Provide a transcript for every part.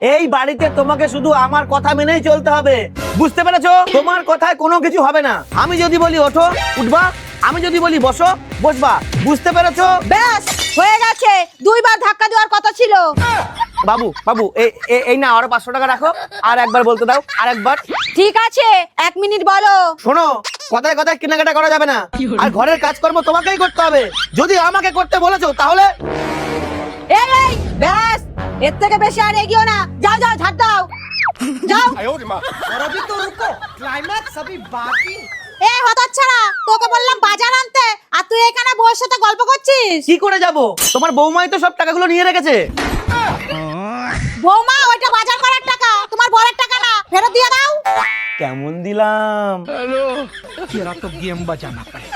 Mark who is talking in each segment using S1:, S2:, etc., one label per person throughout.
S1: এই বাড়িতে তোমাকে শুধু আমার কথা মেনেই চলতে হবে, বুঝতে পেরেছো? তোমার কথায় কোনো কিছু হবে না। আমি যদি বলি ওঠো, উঠবা। আমি যদি বলি বসো, বসবা। বুঝতে পেরেছো?
S2: ব্যাস হয়ে গেছে, দুইবার ধাক্কা দেওয়ার কথা ছিল।
S1: বাবু বাবু এই না, আরো 500 টাকা রাখো। আর একবার বলতে দাও, আর একবার।
S2: ঠিক আছে, 1 মিনিট বলো।
S1: শোনো, কথায় কথায় কেনাকাটা করা যাবে না, আর ঘরের কাজকর্ম তোমাকেই করতে হবে। যদি আমাকে করতে বলেছো তাহলে
S2: এই ব্যাস, এর থেকে বেশি আর এগিয়েও না। যাও যাও, ঝাড় দাও, যাও।
S3: और अभी तो रुको, क्लाइमैक्स अभी बाकी।
S2: এ হতচ্ছাড়া, তোকে বললাম বাজার আনতে, আর তুই এখানে বউয়ের সাথে গল্প করছিস।
S1: কি করে যাব? তোমার বৌমাই তো সব টাকাগুলো নিয়ে রেখেছে।
S2: বৌমা, ওইটা বাজার করার টাকা, তোমার বরের টাকা না, ফেরত দিয়ে দাও।
S1: কেমন দিলাম?
S3: तेरा तो गेम बजाना पड़ेगा।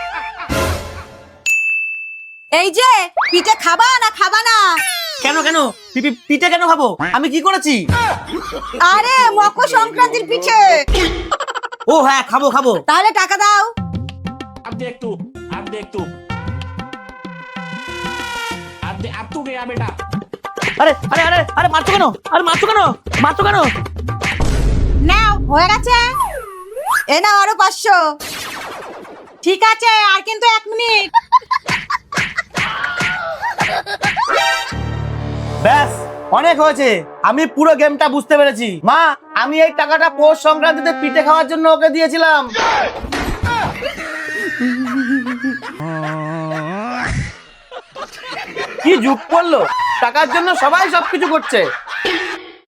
S2: এই যে পিঠে খাবা না খাবা না?
S1: কেন কেন পিঠে কেন খাবো? আমি কি করেছি?
S2: আরে মকর সংক্রান্তির পিঠে।
S1: ও হ্যাঁ, খাবো খাবো।
S2: তাহলে টাকা দাও।
S4: अब देख तू, अब देख तू, अब तू गया बेटा।
S1: আরে আরে আরে আরে মারছো কেন? আরে মারছো কেন? মারছো কেন?
S2: নাও, হয়ে গেছে। এ নাও আরো 500। ঠিক আছে, আর কিন্তু 1 মিনিট।
S1: ব্যাস, অনেক হয়েছে। আমি পুরো গেমটা বুঝতে পেরেছি। মা, আমি এই টাকাটা পৌষ সংক্রান্তিতে পিঠে খাওয়ার জন্য ওকে দিয়েছিলাম। কি যুগ পড়লো, টাকার জন্য সবাই সবকিছু করছে।